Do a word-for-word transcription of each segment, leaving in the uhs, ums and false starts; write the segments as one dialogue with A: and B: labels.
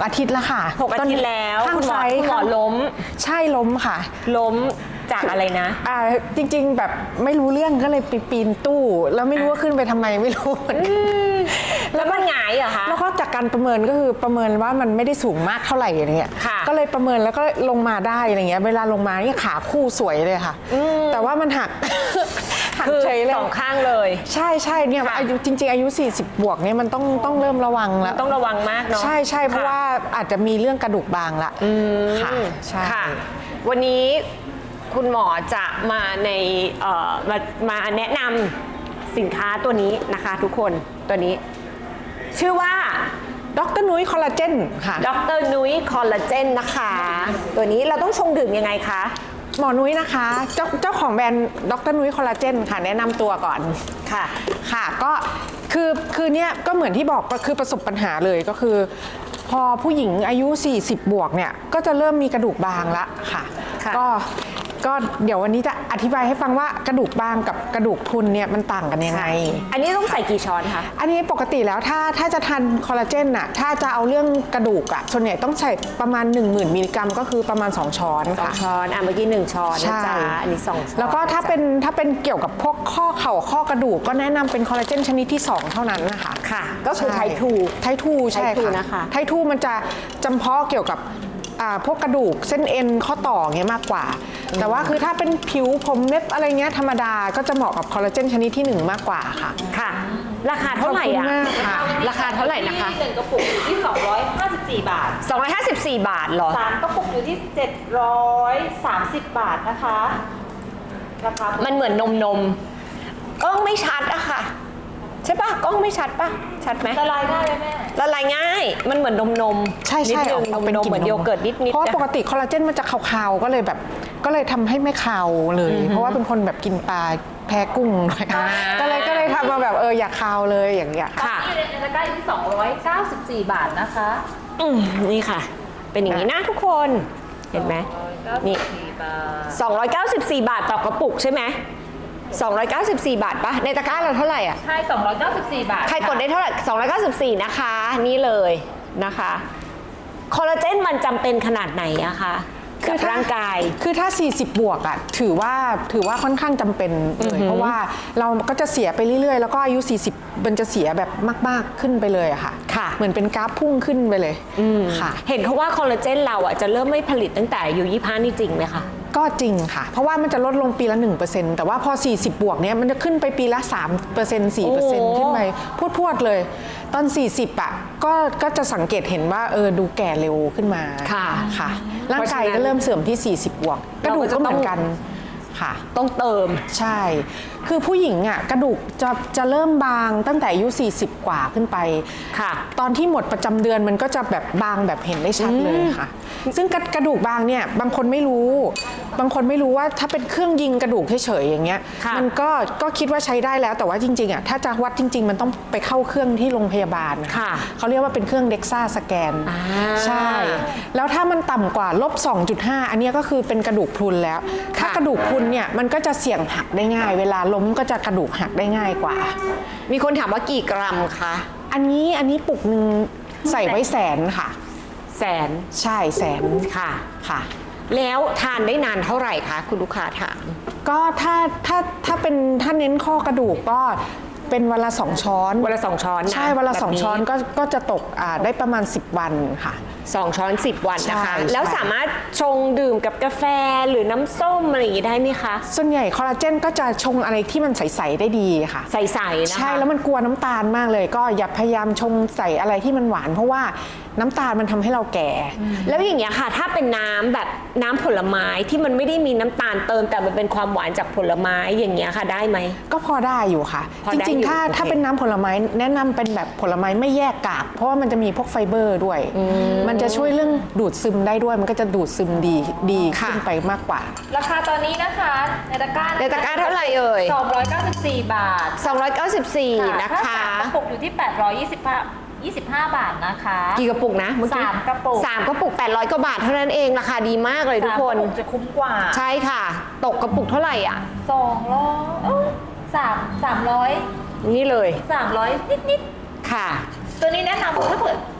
A: อาทิตย์แล้วค่ะ
B: หกอาทิตย์แล้ว
A: ข้างซ้าย
B: คุณหมอล้ม
A: ใช่ล้มค่ะ
B: ล้มจากอะไรนะ
A: อ่าจริงๆแบบไม่รู้เรื่องก็เลยไปปีนตู้แล้วไม่รู้ว่าขึ้นไปทำไมไม่รู้
B: แล้วมันหงายเหรอคะ
A: แล้วก็จากการประเมินก็คือประเมินว่ามันไม่ได้สูงมากเท่าไหร่อะไรเงี้ยก็เลยประเมินแล้วก็ลงมาได้อะไรเงี้ยเวลาลงมานี่ขาคู่สวยเลยค่ะแต่ว่ามันหัก
B: หักเฉยเลยสองข้างเลย
A: ใช่ใช่เนี่ยอายุจริงๆอายุสี่สิบบวกเนี่ยมันต้องต้องเริ่มระวังแล้ว
B: ต้องระวังมากเนาะ
A: ใช่ใช่เพราะว่าอาจจะมีเรื่องกระดูกบางละค่ะใช่
B: ค่ะวันนี้คุณหมอจะมาในมามาแนะนำสินค้าตัวนี้นะคะทุกคนตัวนี้ชื่อว่า
A: ดรนุ้ยคอลลาเจนค่ะ
B: ดรนุ้ยคอลลาเจนนะคะตัวนี้เราต้องชงดื่มยังไงคะ
A: หมอนุ้ยนะคะเจ้าเจ้าของแบรนด์ดรนุ้ยคอลลาเจนค่ะแนะนำตัวก่อน
B: ค่ะ
A: ค่ะก็คือคือเนี้ยก็เหมือนที่บอกคือประสบปัญหาเลยก็คือพอผู้หญิงอายุสี่สิบบวกเนี่ยก็จะเริ่มมีกระดูกบางละค่ะก็ก็เดี๋ยววันนี้จะอธิบายให้ฟังว่ากระดูกบางกับกระดูกพรุนเนี่ยมันต่างกันยังไง
B: อันนี้ต้องใส่กี่ช้อนคะ
A: อันนี้ปกติแล้วถ้าถ้าจะทานคอลลาเจนน่ะถ้าจะเอาเรื่องกระดูกอ่ะส่วนใหญ่ต้องใส่ประมาณ หนึ่งหมื่น มิลลิกรัมก็คือประมาณสองช้อนค่ะ
B: สองช้อนอ่ะเมื่อกี้หนึ่งช้อนนะจ๊ะอันนี้สองช้อน
A: แล้วก็ถ้าเป็นถ้าเป็นเกี่ยวกับพวกข้อเข่าข้อกระดูกก็แนะนำเป็นคอลลาเจนชนิดที่สองเท่านั้นนะคะ
B: ค่ะก็คือไททู
A: ไททูใช่ค่ะไททูมันจะจำเพาะเกี่ยวกับพวกกระดูกเส้นเอ็นข้อต่อเงี้ยมากกว่าแต่ว่าคือถ้าเป็นผิวผมเล็บอะไรเงี้ยธรรมดาก็จะเหมาะกับคอลลาเจนชนิดที่หนึ่งมากกว่าค่ะ
B: ค่ะราคาเท่าไหร่อ่ะราคาเท่าไหร่นะคะ
C: หนึ่งกระปุกอยู่ที่สองร้อยห้าสิบสี่บาท
B: สองร้อยห้าสิบสี่บาทเหรอ
C: สามกระปุกอยู่ที่เจ็ดร้อยสามสิบบาทนะคะราคา
B: มันเหมือนนมนมกล้องไม่ชัดอะค่ะใช่ปะกล้องไม่ชัดปะชัดไหม
C: ละลายง่ายไหมแม่
B: ละลายง่ายมันเหมือนนมนม
A: ใช่ใช่
B: นมนมเหมือนโยเกิร์ตนิดนิด
A: เพราะปกติคอลลาเจนมันจะคาวๆก็เลยแบบก็เลยทำให้ไม่คาวเลยเพราะว่าเป็นคนแบบกินปลาแพ้กุ้งเลยก็เลยก็เลยทำมาแบบเอออยากคาวเลยอย่างเงี้ย
C: ค่ะในตะกร้าอยู่ที่สองร้อยเก้าสิบสี่บาทนะคะ
B: อืมนี่ค่ะเป็นอย่างนี้นะทุกคนเห็นไหมนี่สองร้อยเก้าสิบสี่บาทต่อกระปุกใช่ไหมสองร้อยเก้าสิบสี่บาทปะในตะกร้าเราเท่าไหร่อ่ะ
C: ใช่สองร้อยเก้าสิบสี่บาท
B: ใครกดได้เท่าไหร่สองร้อยเก้าสิบสี่นะคะนี่เลยนะคะคอลลาเจนมันจำเป็นขนาดไหนอะคะกับร่างกาย
A: คือถ้าสี่สิบบวกอ่ะถือว่าถือว่าค่อนข้างจำเป็นเลยเพราะว่าเราก็จะเสียไปเรื่อยๆแล้วก็อายุสี่สิบมันจะเสียแบบมากๆขึ้นไปเลยอะค่ะ
B: ค่ะ
A: เหมือนเป็นกราฟพุ่งขึ้นไปเลยค่ะ
B: เห็นเขาว่าคอลลาเจนเราอ่ะจะเริ่มไม่ผลิตตั้งแต่อายุยี่สิบห้านี่จริงไหมคะ
A: ก็จริงค่ะเพราะว่ามันจะลดลงปีละ หนึ่งเปอร์เซ็นต์ แต่ว่าพอสี่สิบบวกเนี้ยมันจะขึ้นไปปีละ สามเปอร์เซ็นต์ สี่เปอร์เซ็นต์ ขึ้นไปพวดๆเลยตอนสี่สิบอ่ะก็ก็จะสังเกตเห็นว่าเออดูแก่เร็วขึ้นมา
B: ค่ะ
A: ค่ะร่างกายก็เริ่มเสื่อมที่สี่สิบบวกกระดูกก็เหมือนกันค่ะ
B: ต้องเติม
A: ใช่คือผู้หญิงอ่ะกระดูกจะจะเริ่มบางตั้งแต่อายุสี่สิบกว่าขึ้นไป
B: ค่ะ
A: ตอนที่หมดประจำเดือนมันก็จะแบบบางแบบเห็นได้ชัดเลยค่ะซึ่งกระดูกบางเนี่ยบางคนไม่รู้บางคนไม่รู้ว่าถ้าเป็นเครื่องยิงกระดูกเฉยๆอย่างเงี้ยมันก็ก็คิดว่าใช้ได้แล้วแต่ว่าจริงๆอ่ะถ้าจะวัดจริงๆมันต้องไปเข้าเครื่องที่โรงพยาบาล
B: ค่ะ
A: เขาเรียกว่าเป็นเครื่องเด็กซ่าสแกนใช่แล้วถ้ามันต่ำกว่าลบ สองจุดห้า อันนี้ก็คือเป็นกระดูกพรุนแล้วถ้ากระดูกพรุนเนี่ยมันก็จะเสี่ยงหักได้ง่ายเวลาล้มก็จะกระดูกหักได้ง่ายกว่า
B: มีคนถามว่ากี่กรัมคะ
A: อันนี้อันนี้ปุกหนึ่งใส่ไว้แสนค่ะ
B: แสน
A: ใช่แสน
B: ค่ะ
A: ค่ะ
B: แล้วทานได้นานเท่าไหร่คะคุณลูกค้าถาม
A: ก็ถ้าถ้าถ้าเป็นถ้าเน้นข้อกระดูกก็เป็นวันละสองช้อน
B: วันละสองช้อน
A: ใช่วันละสองช้อนก็ก็จะตกอ่าได้ประมาณสิบวันค่ะ
B: สองช้อนสิบวันนะคะแล้วสามารถชงดื่มกับกาแฟหรือน้ำส้มอะไรอย่างนี้ได้ไหมคะ
A: ส่วนใหญ่คอลลาเจนก็จะชงอะไรที่มันใสๆได้ดีค่ะ
B: ใสๆนะคะ
A: ใช่แล้วมันกลัวน้ำตาลมากเลยก็อย่าพยายามชงใส่อะไรที่มันหวานเพราะว่าน้ำตาลมันทำให้เราแก่
B: แล้วอย่างเงี้ยค่ะถ้าเป็นน้ำแบบน้ำผลไม้ที่มันไม่ได้มีน้ำตาลเติมแต่มันเป็นความหวานจากผลไม้อย่างเงี้ยค่ะได้ไหม
A: ก็พอได้อยู่ค่ะจริงๆถ้าถ้าเป็นน้ำผลไม้แนะนำเป็นแบบผลไม้ไม่แยกกากเพราะว่ามันจะมีพวกไฟเบอร์ด้วยมันจะช่วยเรื่องดูดซึมได้ด้วยมันก็จะดูดซึมดีดีขึ้นไปมากกว่า
C: ราคาตอนนี้นะคะในตะกร้า
B: ในตะกร้าเท่าไหร่เอ่ย
C: สองร้อยเก้าสิบสี่บาท
B: สองร้อยเก้าสิบสี่นะคะ
C: กระปุกอยู่ที่แปดร้อยยี่สิบห้ายี่สิบห้าบาทนะคะ
B: กี่กระปุกนะเมื่อกี้
C: สามกระปุก
B: สามกระปุกแปดร้อยกว่าบาทเท่านั้นเองราคาดีมากเลยทุกคน
C: สามกระปุกจะคุ้มกว่า
B: ใช่ค่ะตกกระปุกเท่าไหร่อ่ะ
C: สองร้อยสามสามร้อย
B: นี่เลย
C: สามร้อยนิดนิด
B: ค่ะ
C: ตัวนี้แนะนำถ้าเกิด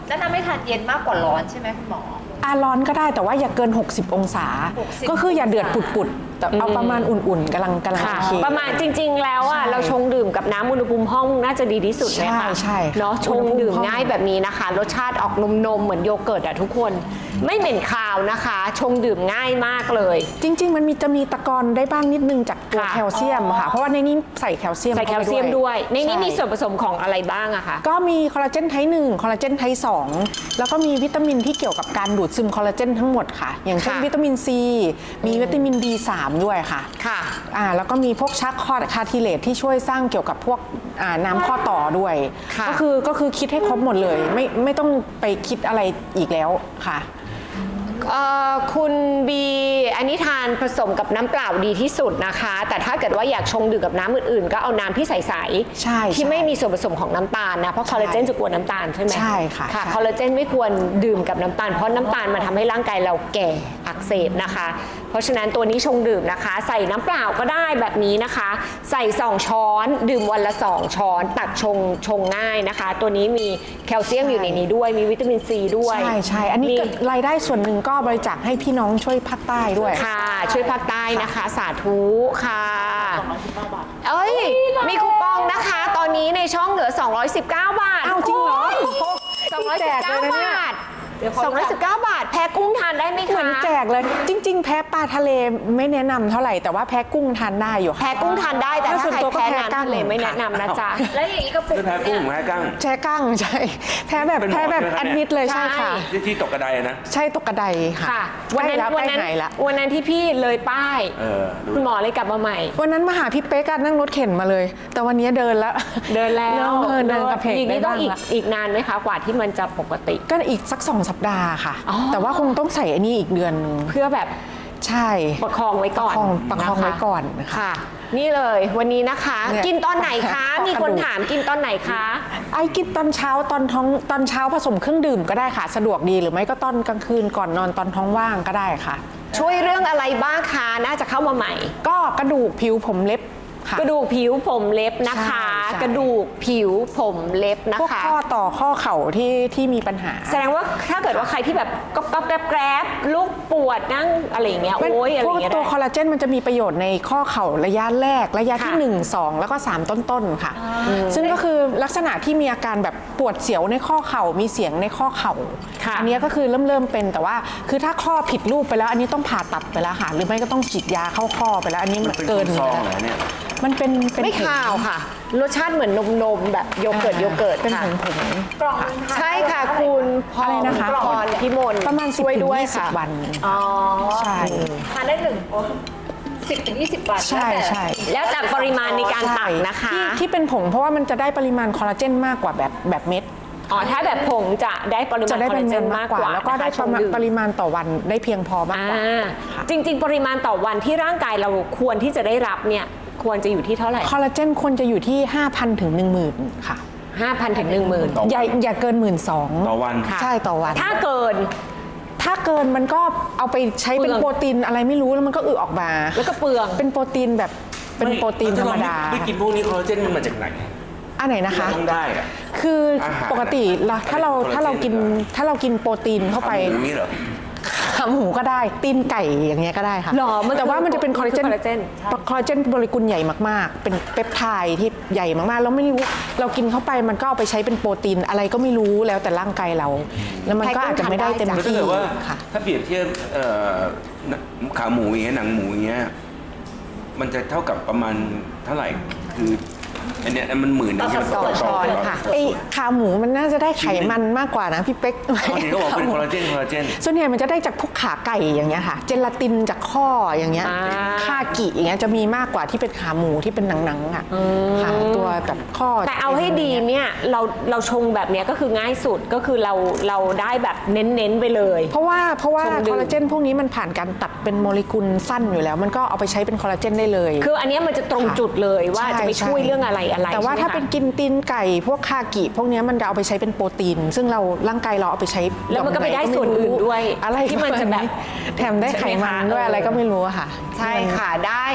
C: แล้วน้ำไม่ทานเย็นมากกว่าร้อนใช่ไหมคุณหมอ
A: อาร้อนก็ได้แต่ว่าอย่าเกิน หกสิบ องศา
C: หกสิบ
A: ก็คืออย่าเดือดปุดๆแต่เอาประมาณอุ่นๆกำลังกำลัง
B: ค่ะ
A: โอเค
B: ประมาณจริง ๆ แล้วอ่ะ
A: ใช่
B: เราชงดื่มกับน้ำอุณหภูมิห้องน่าจะดีที่สุดเลยค่ะ
A: ใช่ใช่ค่ะ
B: เนาะชงดื่มง่ายแบบนี้นะคะ รสชาติออกนมๆเหมือนโยเกิร์ตอะทุกคน ไม่เหม็นคาวนะคะ ชงดื่มง่ายมากเลย
A: จริง ๆ มันมีจะมีตะกอนได้บ้างนิดนึงจากตัว
B: ค่ะ
A: แคลเซียมค่ะ เพราะว่าในนี้ใส่แคลเซียม
B: ใส่แคลเซียมด้วย ในนี้มีส่วน
A: ใช่
B: ผสมของอะไรบ้างอะคะ
A: ก็มีคอลลาเจนไทป์หนึ่งคอลลาเจนไทป์สองแล้วก็มีวิตามินที่เกี่ยวกับการดูดซึมคอลลาเจนทั้งหมดค่ะ อย่างเช่น
B: ค่ะ
A: วิตามินซีมีวิตามิน บี สาม ด้วยค่ะ
B: ค่ะ
A: อ่าแล้วก็มีพวกชักคอคาทิเลตที่ช่วยสร้างเกี่ยวกับพวกอ่าน้ำข้อต่อด้วย
B: ค่ะ
A: ก็คือก็คือคิดให้ครบหมดเลย ไม่ไม่ต้องไปคิดอะไรอีกแล้วค่ะ
B: เอ่อคุณบีอันนี้ทานผสมกับน้ำเปล่าดีที่สุดนะคะ แต่ถ้าเกิดว่าอยากชงดื่มกับน้ำอื่นๆ ก็เอาน้ำที่ใส
A: ใช่
B: ๆ
A: ใช่
B: ที่ไม่มีส่วนผสมของน้ำตาลนะเพราะคอลลาเจนจะกลัวน้ำตาลใช่ไหม
A: ใช่ค่ะ
B: ค่ะ
A: ใช่
B: คอลลาเจนไม่ควรดื่มกับน้ำตาลเพราะน้ำตาลมันทำให้ร่างกายเราแก่อักเสบนะคะ เพราะฉะนั้นตัวนี้ชงดื่มนะคะ ใส่น้ำเปล่าก็ได้แบบนี้นะคะ ใส่สองช้อน ดื่มวันละสองช้อนตักชงชงง่ายนะคะ ตัวนี้มีแคลเซียมอยู่ในนี้ด้วยมีวิตามินซีด้วย
A: ใช่ใช่อันนี้
B: มี
A: ก็รายได้ส่วนหนึ่งก็บริจาคให้พี่น้องช่วยภาคใต้ด้วย
B: ค่ะ ช่วยภาคใต้นะคะ สาธุค่ะ เอ้ย มีคูปองนะคะ ตอนนี้ในช่องเหลือ สองร้อยสิบเก้า บาท
A: อ้าวจริงเหรอ
B: สองร้อยสิบเก้า
A: แจกเลยนะเนี่ย
B: บาทสองร้อยสิบเก้าบาท แพ้กุ้งทานได้ไหม
A: เหมื
B: คะ
A: อนแจกเลย จริง ๆ แพ้ปลาทะเลไม่แนะนำเท่าไหร่แต่ว่าแพ้กุ้งทานได้อยู่ค่ะ
B: แพ้กุ้งทานได้แต่
A: ถ้า
B: ถ้า
A: ส่วน
B: ใคร
A: ตัวก็
B: แพ้
A: แพ้
B: น้ำ
A: กั้ง
B: ทะเลไม่แนะนำนะจ๊ะ
C: แล้วอย่างนี้กระปุก
D: คือแพ้กุ้งแพ้กั้ง
A: แพ้กั้งใช่แพ้แบบ
D: เป็นหมอ
A: แพ้แบบ
D: ใช่ไหม
A: แอดมิดเลย
B: ใช่
A: ใช่ค่ะ
D: ที่ที่ตกกระไดอะนะ
A: ใช่ตกกระไดค่ะ
B: ค่ะ วันนั้น
A: ใกล้
B: วันนั้น
A: ใกล้หายละ
B: วันนั้นที่พี่เลยป้าย
D: เออดู
B: คุณหมอเลยกลับมาใหม่
A: วันนั้นมาหาพี่เป๊กอะนั่งรถเข็นมาเลย แต่วันนี้เดินแล้ว
B: เดินแล้ว
A: เออเดินกระเพก
B: อย่าง
A: ได้
B: นี้ต้อง
A: บ้าง
B: อีก
A: ละ
B: อีกนานไหมคะ กว่าที่มันจะปกติ
A: ก็อีกสักสองสัปดาห์ค่ะ
B: อ๋อ
A: แต่ว่าคงต้องใส่อันนี้อีกเดือนนึง
B: เพื่อแบบ
A: ใช่
B: ประคองไว้ก่อน
A: ประคองประคอง
B: น
A: ไว้ก่อนค่ะ
B: ค่ะ นี่เลยวันนี้นะคะ
A: เนี่ย
B: กินตอนไหนคะ
A: ข้อกระดูก
B: มีคนถามกินตอนไหนคะ
A: ไอ้กินตอนเช้าตอนท้องตอนเช้าผสมเครื่องดื่มก็ได้ค่ะ สะดวกดีหรือไม่ก็ตอนกลางคืนก่อนนอนตอนท้องว่างก็ได้ค่ะ
B: ช่วยเรื่องอะไรบ้างคะน่าจะเข้ามาใหม่
A: ก็กระดูกผิวผมเล็บค่ะ
B: กระดูกผิวผมเล็บนะคะ
A: ใช่ใช่
B: กระดูกผิวผมเล็บนะ
A: พวก
B: คะ
A: ข้อต่อข้อเข่าที่ที่มีปัญหา
B: แสดงว่าถ้าเกิดว่าใครที่แบบก๊อบก๊อบแกรบแกรบลูกปวดนั่งอะไรอย่างเงี้ย
A: มัน
B: โอ้ยอะไร
A: พ
B: อ
A: วก
B: ย่างเงี้ย
A: ตัว
B: ได้
A: คอลลาเจนมันจะมีประโยชน์ในข้อเข่าระยะแรก ระยะที่
B: ค่ะ
A: หนึ่ง สอง แล้วก็สามต้นๆค่ะ ซึ่งก็คือลักษณะที่มีอาการแบบปวดเสียวในข้อเข่ามีเสียงในข้อเข่า
B: ค่ะ
A: อัเนี้ยก็คือเริ่มเริ่มเป็นแต่ว่าคือถ้าข้อผิดรูปไปแล้ว อันนี้ต้องผ่าตัดไปแล้วค่ะ หรือไม่ก็ต้องฉีดยาเข้าข้อไปแล้ว อันนี้
D: มันเป็น
A: เกิน
D: ซองเหรอเนี่ย
A: มันเป็นเป็น
B: ไม่
A: ผง
B: ข่าวค่ะ รสชาติเหมือนนมนมๆแบบโยเกิร์ตโยเกิร์ต
A: เป็น
B: ค่ะ
A: ผงผง
C: กล่องนึงทาน
B: ใช่
C: ได้
B: ค่ะ
C: เท่าไหร่
B: คุณพ
A: อะไร
B: ร
A: นะคะ
B: พรพิมล
A: ประมาณสิบ
B: ช่วย
A: ถึง
B: ด้วย
A: ยี่สิบ
B: ค่ะ
A: วัน
C: อ๋อ
A: ใช่
C: ทานได้หนึ่งสิบถึงยี่สิบบาท
A: ใช่ใช่
B: แล้วแต่ปริมาณในการตักนะคะ
A: ที่ที่เป็นผงเพราะว่ามันจะได้ปริมาณคอลลาเจนมากกว่าแบบแบบเม็ด
B: อ๋อถ้าแบบผงจะได้ปริมา
A: จะ
B: ณ
A: ได้
B: คอล
A: ป
B: ลา
A: ริ
B: เจ
A: มาณ
B: น
A: มาม
B: าก ก
A: ก
B: ก
A: ว่า
B: ว่า
A: แล้วก็ได้
B: นะคะ
A: ประมาณ
B: ชงดื่
A: ปริมาณต่อวันได้เพียงพอมาก
B: อ่
A: กว่า
B: า
A: ค่ะ
B: จริง ๆ ปริมาณต่อวันที่ร่างกายเราควรที่จะได้รับเนี่ยควรจะอยู่ที่เท่าไหร่
A: คอลลาเจนควรจะอยู่ที่ ห้าพัน ถึง หนึ่งหมื่น ค่ะ
B: ห้าพันถึงหนึ่งหมื่น
D: ต่อวัน
A: อย่าอย่าเกิน หนึ่งหมื่นสองพัน
D: ต่อวัน
B: ค่ะ
A: ใช่ต่อวัน
B: ถ้าเกิน
A: ถ้าเกินมันก็เอาไปใช้เป็น
B: เปลือง
A: โปรตีนอะไรไม่รู้แล้วมันก็อึออกมา
B: แล้วก็เปลือง
A: เป็นโปรตีนแบบเป็นโปรตีนธรรมดา
D: ไม่ไม่กินพวกนี้คอลลาเจนมันมาจากไหน
A: อันไหนนะคะ
D: ที่เราต้องได้อะ
A: คืออา
D: หาร
A: ปกติเราถ้าเรา
D: คอลลาเจน
A: ถ้าเรากิน
D: เหรอ
A: ถ้าเรากินโปรตีนเข้าไป
D: ทำอย่างนี้เหรอ
A: ขาหมูก็ได้ตีนไก่อย่างเงี้ยก็ได้ค่ะ
B: หรอมัน
A: แต่ว่ามันจะเป็นคอลลาเจน
B: มันคือคอลลาเจน
A: คอลลาเจนโมเลกุลใหญ่มากๆ เป็นเปปไทด์ที่ใหญ่มากๆแล้วไม่รู้เรากินเข้าไปมันก็เอาไปใช้เป็นโปรตีนอะไรก็ไม่รู้แล้วแต่ร่างกายเรา แล้วมันก็อาจจะไม่ได้เต็ม
D: แล้วถ้า
A: ที่
D: เกิดว่า
A: ค่ะ
D: ถ้าเปรียบเทียบเอ่อขาหมูอย่างเงี้ยหนังหมูอย่างเงี้ยมันจะเท่ากับประมาณเท่าไหร่ คืออันเนี้ยมันหมื่นหนึงใช่ไหม
B: ต่อช้อนค่ะ
A: ไอ้ขาหมูมันน่าจะได้ไขมันมากกว่านะพี่เป๊ก
D: เขาเห็นเขาบอกเป็นคอลลาเจนคอลลาเจน
A: ส่วนใหญ่มันจะได้จากพวกขาไก่อย่างเงี้ยค่ะ เจลาตินจากข้ออย่างเงี้ย
B: อ่า
A: คากิอย่างเงี้ยจะมีมากกว่าที่เป็นขาหมูที่เป็นหนังๆอ่ะค่ะตัวแบบข้อ
B: แต่เอาให้ดีเนี่ยเราเราชงแบบเนี้ยก็คือง่ายสุดก็คือเราเราได้แบบเน้นๆไปเลย
A: เพราะว่าเพราะว่า
B: ชงดื่ม
A: คอลลาเจนพวกนี้มันผ่านการตัดเป็นโมเลกุลสั้นอยู่แล้ว มันก็เอาไปใช้เป็นคอลลาเจนได้เลย
B: คืออันเนี้ยมันจะตรงจุดเลยว่าจะไปช่วยเรื่องอะไรอะไร
A: แต่ว่า
B: ใช่ไหม
A: ถ้า
B: คะ
A: เป็นกินตีนไก่พวกคากิ พวกเนี้ยมันจะเอาไปใช้เป็นโปรตีน ซึ่งเราร่างกายเราเอาไปใช้
B: แล้วมันก็ไปได้ส่วนอื่นด้วย
A: อะไร
B: ที่มันจะแบบ
A: แถมได้ไขมันด้วยอะไรก็ไม่รู้อะค่ะ
B: ใช่ค่ะได้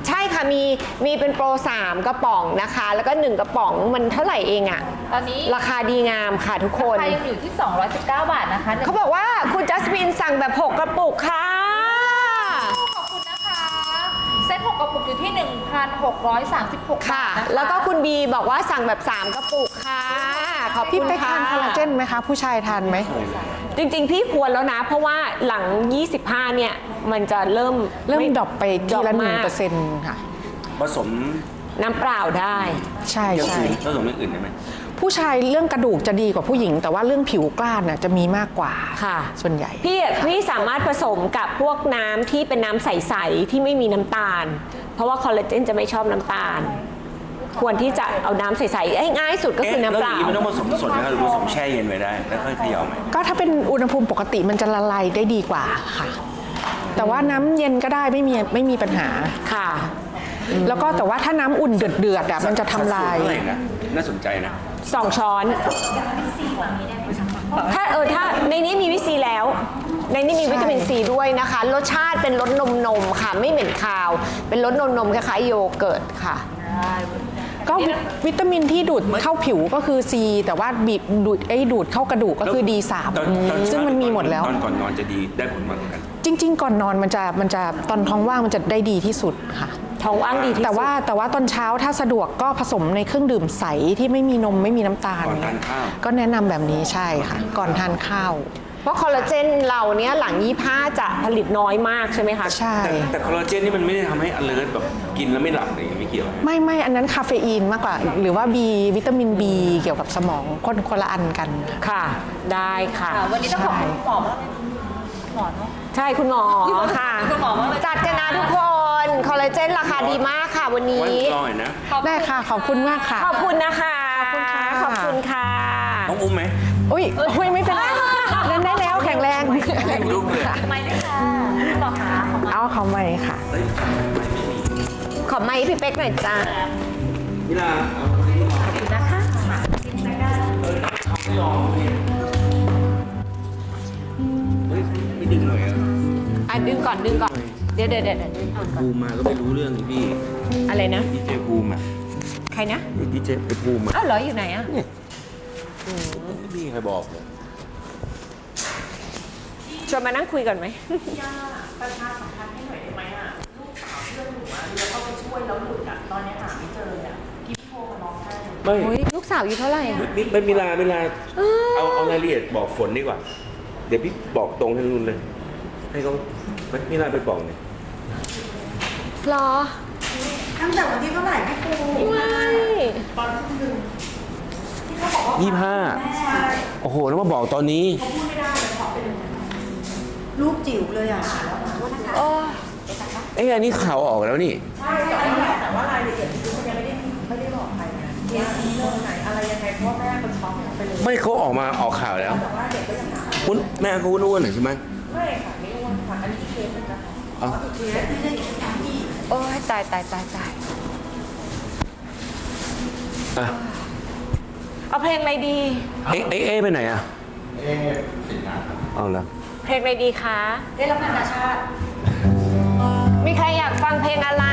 B: ใช่ค่ะมีมีเป็นโปรสามกระป๋องนะคะ แล้วก็หนึ่งกระป๋องมันเท่าไหร่เองอะ
C: ตอนนี้
B: ราคาดีงามค่ะทุกคน
C: ราคายังอยู่ที่ สองร้อยสิบเก้า บาทนะคะ
B: เขาบอกว่าคุณจัสมินสั่งแบบหกกระปุกค่ะ
C: ขอบคุณนะคะ เซ็ตหกกระปุกอยู่ที่ หนึ่งพันหกร้อยสามสิบหก
B: ค่ะ
C: บาทนะคะ
B: แล้วก็คุณบีบอกว่าสั่งแบบสามกระปุกค่ะขอบ
A: พี่
B: คุณ
A: ไป
B: ค่ะ
A: ทานคอลลาเจนไหมคะ ผู้ชายทานไหม
B: จริงๆ พี่ควรแล้วนะ เพราะว่าหลัง ยี่สิบห้า เนี่ย มันจะเริ่ม
A: เริ่ม
B: ไ
A: ดรอปไปทีละหนึ่ง
B: ดร
A: เป
B: อ
A: อ
B: ป
A: ร์เซ็นต์ค่ะ
D: ผสม
B: น้ำเปล่าได้
A: ใช่
D: อย่าง
A: ใช่
D: อื่นผสมอย่างอื่นได้ไหม
A: ผู้ชายเรื่องกระดูกจะดีกว่าผู้หญิง แต่ว่าเรื่องผิวกล้านน่ะจะมีมากกว่า
B: ค่ะ
A: ส่วนใหญ่
B: พี่พี่สามารถผสมกับพวกน้ำที่เป็นน้ำใสๆที่ไม่มีน้ำตาล เพราะว่าคอลลาเจนจะไม่ชอบน้ำตาล ควรที่จะเอาน้ำใสๆเอ้ยง่ายสุดก็คือ
D: เอ๊ะ
B: น้ำ
D: แล้ว
B: เป
D: อย่า
B: ล่า
D: งนี้มันต้องผสมสดไหมครับหรือผสมแช่เย็นไว้ได้ แล้วค่อยเขย่าไหม
A: ก็ถ้าเป็นอุณหภูมิปกติมันจะละลายได้ดีกว่าค่ะ แต่ว่าน้ำเย็นก็ได้ไม่มีไม่มีปัญหา
B: ค่ะ
A: แล้วก็แต่ว่าถ้าน้ำอุ่นเดือดเดือดๆอ่ะมันจะทำลาย
D: สัดส่วนเท่าไหร่นะ น่าสนใจนะ
B: สองช้อน ถ้าเออถ้าในนี้มีวิตามินซีแล้ว ในนี้มีวิตามินซีด้วยนะคะ รสชาติเป็นรสนมนมๆค่ะ ไม่เหม็นคาว เป็นรสนมนมๆคล้ายๆโยเกิร์ตค่ะ
A: ก็วิวิตามินที่ดูดเข้าผิวก็คือ C แต่ว่าบีบดูดไอ้ดูดเข้ากระดูกก็คือ ดี สาม
D: ตอนตอน
A: ซึ่งมันมีหมดแล้ว
D: ตอนก่อนนอนจะดีได้ผลมากกว่ากัน
A: จริง ๆ ก่อนนอนมันจะมันจะตอนท้องว่างมันจะได้ดีที่สุดค่ะ
B: ท้องว่างดีที่สุด
A: แต่ว่าแต่ว่าตอนเช้าถ้าสะดวกก็ผสมในเครื่องดื่มใสที่ไม่มีนมไม่มีน้ำตาล
D: ก่อนทานข้าว
A: ก็แนะนำแบบนี้ใช่ค่ะ ก่อนทานข้าว
B: เพราะคอลลาเจนเราเนี้ยหลังยี่ห้าจะผลิตน้อยมากใช่ไหมคะ
A: ใช่
D: แต่แต่คอลลาเจนนี่มันไม่ได้ทำให้ alert แบบกินแล้วไม่หลับอะไรอย่างเงี้ยไม่เกี่ยวนะ
A: ไม่ไม่อันนั้นคาเฟอีนมากกว่า หรือว่า B วิตามิน B เกี่ยวกับสมองคนคนละอันกัน
B: ค่ะ ได้ค่ะ
C: ค่ะวันนี้ต้องขอบคุณคุณหมอมากเลยหมอเนาะ
B: ใช่คุณหมอค่ะ
C: คุณหมอมากเลย
B: จัดกันนะทุกคน คอลลาเจนราคาดีมากค่ะวันนี้
D: ไว้รอหน่อยนะ
A: ได้ค่ะ ขอบคุณมากค่ะ
B: ขอบคุณนะคะ
A: ขอบคุณค่ะ
B: ขอบคุณค่ะ
D: ต้องอุ้มไหม
A: อุ้ยอุ้ยไม่เป็นไรเดินได้แล้วแข็งแรง
D: ลูกเลย
C: ไม่ได้ค่ะคุณหมอคะขอบคุณ
A: เอาเขาใหม่ค่ะ
B: ขอไมค์พี่เป๊กหน่อยจ้า
D: นี่ล่ะเอา
C: นะคะ
D: ไม่ลองเฮ้ยไม่ดึงหน่อยอ่ะ
B: อ่ะดึงก่อนดึงก่อน เดี๋ยวเดี๋ยวเดี๋ยวดึงก่อน
D: ภูมิมาก็ไม่รู้เรื่องนี่พี่
B: อะไรนะ
D: ดีเจภูมิอ่ะ
B: ใครนะ
D: ดีเจไปภูมิอ่ะ
B: อ้าวเหรออยู่ไหนอ่ะ
D: ไม่มีใครบอกเลย
B: ชวนมานั่งคุยก่อนไหม
D: ไม่
B: โอ้ยลูกสาวอยู่เท่าไหร่อ่ะ
D: ไม่ไม่มีลาไม่ลาเอาเอารายละเอียดบอกฝนดีกว่า เดี๋ยวพี่บอกตรงให้นุ่นเลย ให้เขาไม่มีลาไปบอกเนี่ย
B: หรอ
E: ตั้งแต่วันที่เท่าไหร่พี่ปู
B: ไม่
D: ยี่ห้าโอ้โหแล้วมาบอกตอนนี้
E: รูปจิ๋วเลยอ่ะ
B: โอ้
D: เอ้ยอันนี้ข่าวออกแล้วนี่
E: ใช่แต่ว่ารายละเอียดคือมันยังไม่ได้ไม่ได้บอกใครนะเคสนี้เรื่องไหนอะไรยังไงเพราะว่าแม่คนช็อกไปเลย
D: ไม่เขาออกมาออกข่าวแล้ว
E: แต่ว่าเด็กก็ยังหา
D: คุณแม่เขาอ้วนๆหน่อยใช่ไหม
E: ไม่ค่ะไม่อ้วนค่ะอันนี้เคสนึงนะคะ
D: เอา
E: เคสที่ได้อีกที่
B: โอ้ยตายตายตายตาย
D: อ่ะ
B: เอาเพลงอะไรดี
D: เอ๊ะเอ๊ะเอ๊ะไปไหนอ่ะ เอ๊ะเอาละ
B: เพลงอะไรดีคะ
E: ได้รับนานาชาติ
B: มีใครอยากฟังเพลงอะไร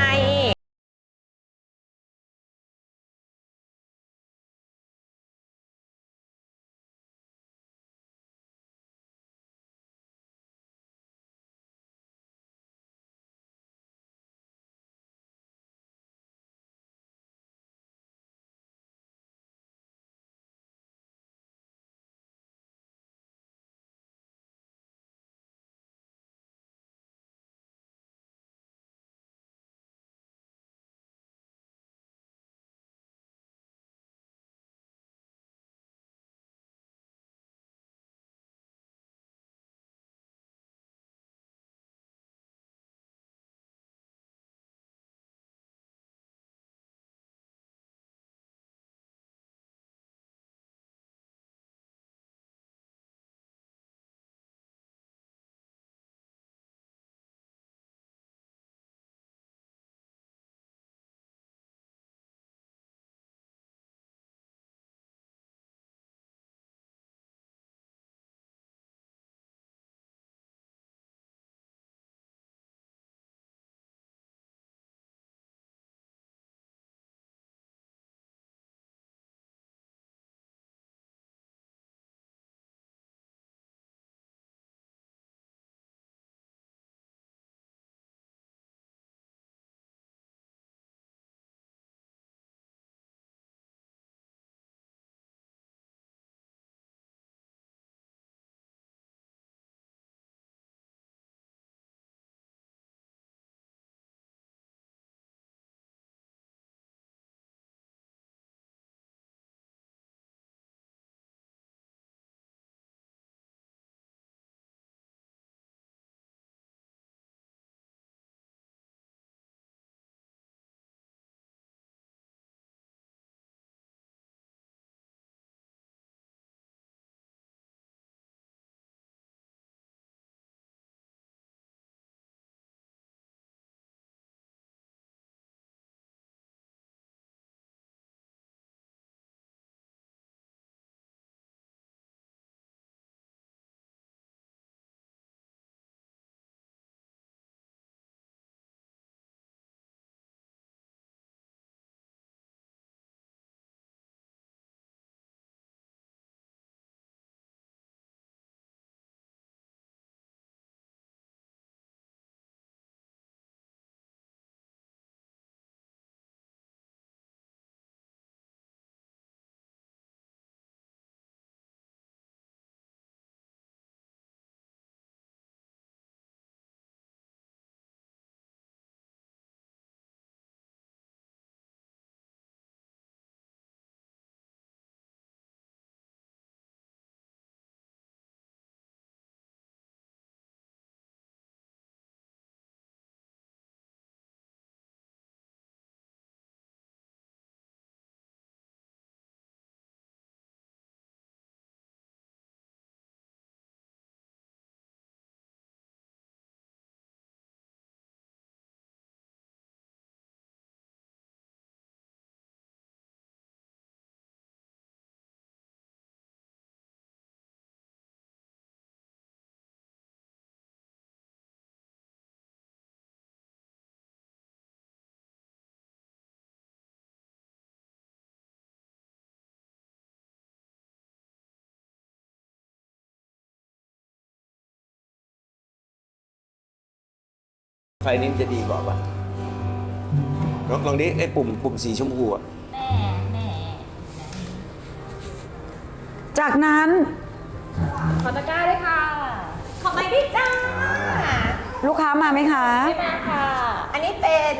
D: ไฟนี้จะดีกว่าป่ะลองลองดิไอ้ปุ่มปุ่มสีชมพูอะ
F: จากนั้น
C: ขอตะกร้าด้วยค่ะ ขอบคุณพี่จ้า
F: ลูกค้ามาไหมคะ
C: ไม่มาค่ะ อันนี้เป็น